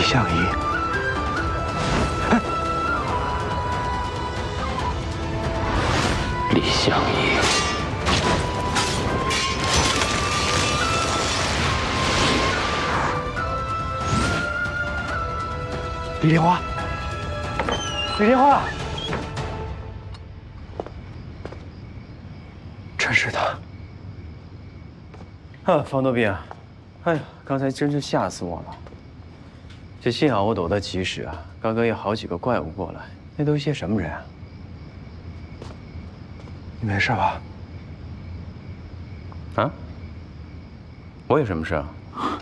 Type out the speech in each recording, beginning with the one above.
相夷。 李相夷。 李莲花，李莲花，真是的。 方多斌啊，哎呀，刚才真是吓死我了。这幸好我躲得及时啊，刚刚有好几个怪物过来，那都是些什么人啊？ 你没事吧？ 啊？我有什么事啊？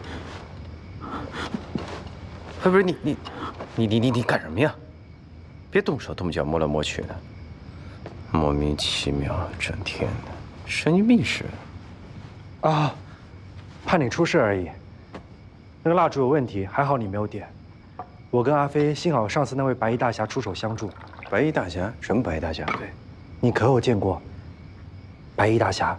不是你干什么呀？别动手动脚摸来摸去的，莫名其妙，整天的神经病似的。 啊，怕你出事而已。那个蜡烛有问题，还好你没有点。我跟阿飞幸好上次那位白衣大侠出手相助。 白衣大侠？什么白衣大侠？ 对，你可有见过白衣大侠？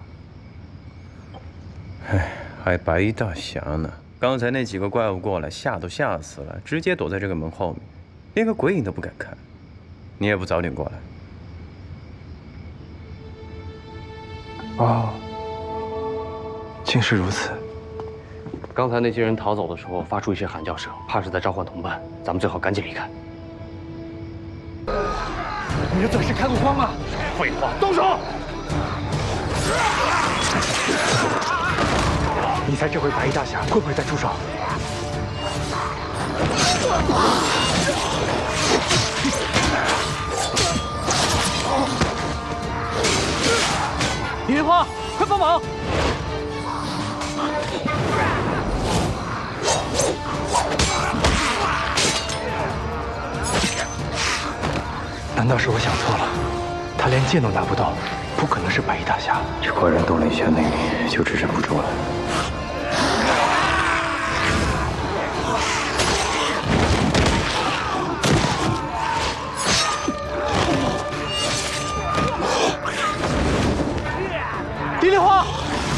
哎，还白衣大侠呢？刚才那几个怪物过来，吓都吓死了，直接躲在这个门后面，连个鬼影都不敢看。你也不早点过来。 哦，竟是如此。 刚才那些人逃走的时候发出一些喊叫声，怕是在召唤同伴，咱们最好赶紧离开。 你的嘴是开过光吗？ 废话，动手！ 你猜这回白衣大侠会不会再出手？ 李莲花，快帮忙！ 难道是我想错了？他连剑都拿不动，不可能是白衣大侠。 这怪人动了一下内力，就支撑不住了。 李莲花，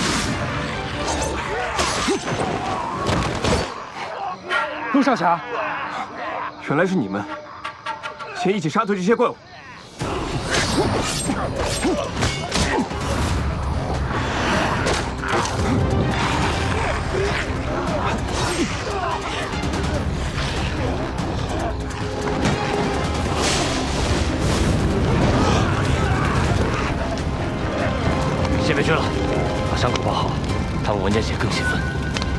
陆少侠， 原来是你们，先一起杀退这些怪物。 先别去了，把伤口包好，他们闻见血更兴奋。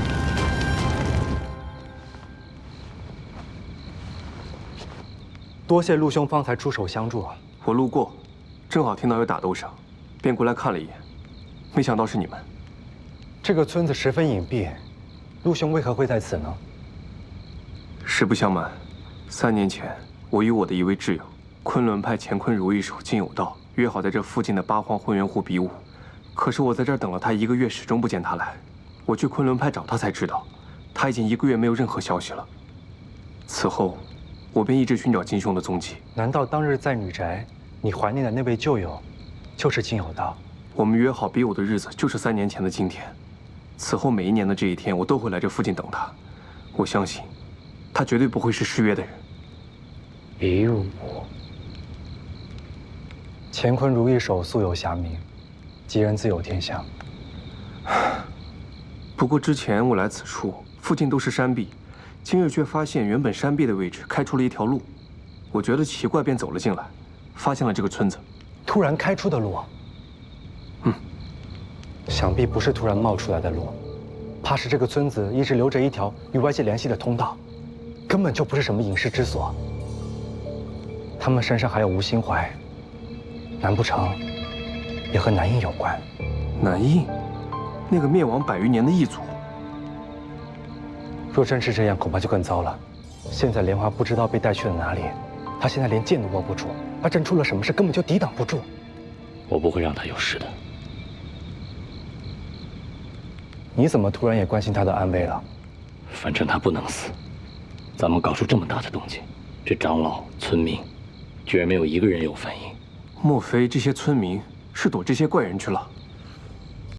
多谢陆兄方才出手相助。 我路过，正好听到有打斗声，便过来看了一眼，没想到是你们。 这个村子十分隐蔽，陆兄为何会在此呢？ 实不相瞒，3年前我与我的一位挚友，昆仑派乾坤如意手金有道，约好在这附近的八荒混元湖比武。可是我在这儿等了他1个月，始终不见他来。我去昆仑派找他才知道，他已经1个月没有任何消息了。此后，我便一直寻找金兄的踪迹。 难道当日在女宅，你怀念的那位旧友，就是金有道？ 我们约好比武的日子就是3年前的今天。此后每一年的这一天，我都会来这附近等他。我相信，他绝对不会是失约的人。 比武， 乾坤如意手素有侠名，吉人自有天相。 不过之前我来此处，附近都是山壁，今日却发现原本山壁的位置开出了一条路。我觉得奇怪，便走了进来，发现了这个村子。 突然开出的路？想必不是突然冒出来的路，怕是这个村子一直留着一条与外界联系的通道，根本就不是什么隐士之所。他们身上还有吴心怀，难不成也和南印有关？ 南印，那个灭亡100余年的异族。 若真是这样，恐怕就更糟了。现在莲花不知道被带去了哪里，他现在连剑都握不住，他真出了什么事，根本就抵挡不住。 我不会让他有事的。 你怎么突然也关心他的安危了？ 反正他不能死。咱们搞出这么大的动静，这长老、村民，居然没有一个人有反应。 莫非这些村民是躲这些怪人去了？